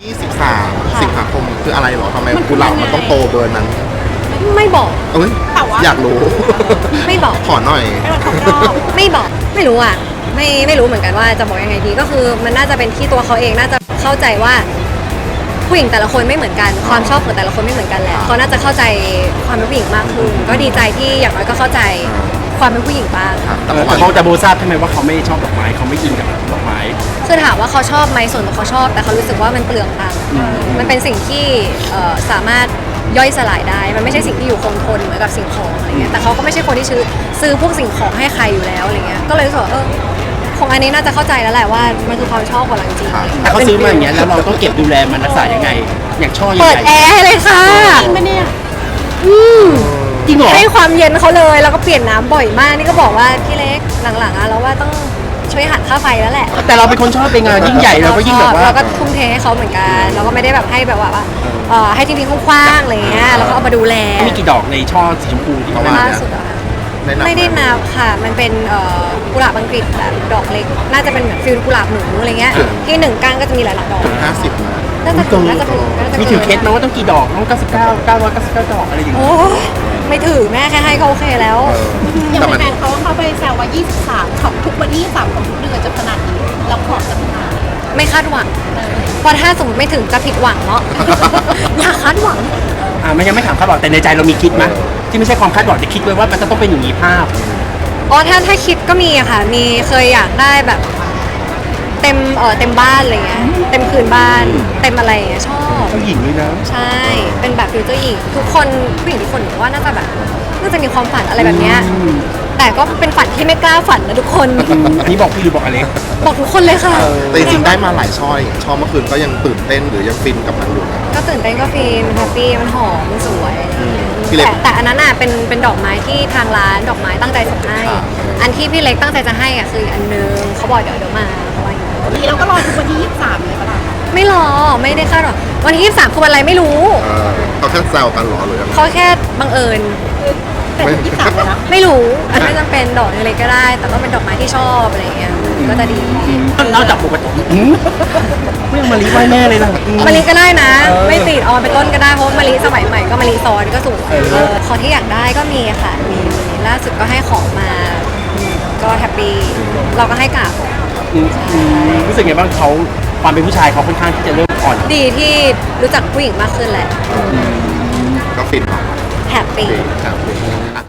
23 สิงหาคมคืออะไรเหรอทำไมกุหลาบมันต้องโตเบอร์นั้นไม่บอกเอ้ยแต่ว่าอยากรู้ไม่บอกขอหน่อยให้มันครบรอบไม่บอกไม่รู้อ่ะไม่รู้เหมือนกันว่าจะบอกยังไงดีก็คือมันน่าจะเป็นที่ตัวเขาเองน่าจะเข้าใจว่าผู้หญิงแต่ละคนไม่เหมือนกันความชอบของแต่ละคนไม่เหมือนกันแหละเขาน่าจะเข้าใจความเป็นผู้หญิงมากขึ้นก็ดีใจที่อย่างน้อยก็เข้าใจความเป็นผู้หญิงบ้างครับแต่แต่เมื่อวานเขาแต่โบทราบใช่ไหมว่าเขาไม่ชอบดอกไม้เขาไม่อินกับดอกไม้คือถามว่าเขาชอบไหมส่วนตัวเขาชอบ แต่เขารู้สึกว่ามันเปลืองตังค์มันเป็นสิ่งที่สามารถย่อยสลายได้ มันไม่ใช่สิ่งที่อยู่คงทนเหมือนกับสิ่งของอะไรเงี้ยแต่เขาก็ไม่ใช่คนที่ซื้อพวกสิ่งของให้ใครอยู่แล้วอะไรเงี้ยก็เลยรู้สึกว่าคงอันนี้น่าจะเข้าใจแล้วแหละว่ามันคือความชอบของเราจริงๆแต่เขาซื้อมาอย่างเงี้ยแล้วเราต้องเก็บดูแลมันรักษายังไไง อย่างช่อใหเปิดญ่แอร์ให้เลยค่ะจริงปะเนี่ยจริงเหรอให้ความเย็นเขาเลยแล้วก็เปลี่ยนน้ำบ่อยมากนี่ก็บอกว่าพี่เล็กหลังๆอะเราว่าต้องช่วยหักค่าไฟแล้วแหละแต่เราเป็นคนชอบเป็นงานยิ่งใหญ่เราก็ยิ่งแบบว่าเราก็ทุ่มเทให้เขาเหมือนกันเราก็ไม่ได้แบบให้แบบว่าให้ทิ้งๆคว้างๆอะไรเงี้ยแล้วก็เอามาดูแลมีกี่ดอกในช่อสีชมพูที่เขาประมาณล่าสุดอะค่ะแนะนำไม่ได้นับค่ะ มันเป็นกุหลาบอังกฤษแบบดอกเล็ก น่าจะเป็นเหมือนฟิลกุหลาบหนูอะไรเงี้ยที่หนึ่งก้านก็จะมีหลายๆดอกถึง50นะน่าจะถึงน่าจะถึงน่าจะมีถือเคสไหมว่าต้องกี่ดอกต้อง99 999ดอกอะไรอย่างโอ้เงี้ยไม่ถือแม่แค่ให้ก็โอเคแล้วอย่างแต่มันแฟนๆเขาไปแซวว่า 23 ของทุกวันที่23ของทุกเดือนจะขนาดนี้เราขอจะขนาดไม่คาดหวังเพราะถ้าสมมติไม่ถึงจะผิดหวังเนาะ อย่าคาดหวังมันยังไม่ถามคาดหวังแต่ในใจเรามีคิดไหมที่ไม่ใช่ความคาดหวังแต่คิดไว้ว่ามันจะต้องเป็นอย่างนี้ภาพอ๋อถ้าคิดก็มีอะค่ะ มีเคยอยากได้แบบเต็มบ้านอะไรเงี้ย เต็มคืนบ้าน เต็มอะไรเงี้ยชอบผู้หญิงเลยนะใช่ เป็นแบบฟิวเจอร์หญิงทุกคนผู้หญิงทุกคนหนูว่าน่าจะแบบน่าจะมีความฝันอะไรแบบเนี้ยแต่ก็เป็นฝันที่ไม่กล้าฝันนะทุกคนอันนี้บอกพี่หรือบอกอเล็กบอกทุกคนเลยค่ะแต่จริงๆได้มาหลายช่อยช่อเมื่อคืนก็ยังตื่นเต้นหรือยังฟินกับมันอยู่นะก็ตื่นเต้นก็ฟินแฮปปี้มันหอมมันสวยอะไรอย่างเงี้ยพี่เล็กแต่อันนั้นอ่ะเป็นดอกไม้ที่ทางร้านดอกไม้ตั้งใจส่งให้ครับอันที่พี่เล็กตั้งใจจะให้อ่ะคืออันนึงเขาบอกเดี๋ยวมาเขาว่าอย่างงี้นี้เราก็รอทุกวันที่23เลยปะล่ะไม่รอไม่ได้คาดหรอกวันที่23คือวันอะไรไม่รู้เขาแค่แซวกันเหรอหรือยังไงเขาแค่บังเอิญแต่ถึง23เลยนะไม่รู้อันไม่จำเป็นดอกเล็กๆก็ได้ แต่ก็เป็นดอกไม้ที่ชอบอะไรอย่างเงี้ยก็จะดีนอกจากปกติไม่เอามาลีไหว้แม่เลยนะมะลิก็ได้นะ ไม่ติดออนเป็นต้นก็ได้เพราะว่ามะลิสมัยใหม่ก็มะลิซ้อนก็สวยของที่อยากได้ก็มีค่ะมีล่าสุดก็ให้ของมาก็แฮปปี้เราก็ให้กราบรู้สึกไงบ้างเขาความเป็นผู้ชายเขาค่อนข้างที่จะเริ่มอ่อนดีที่รู้จักผู้หญิงมากขึ้นแหละก็ฟินเนาะแฮปปี้ครับ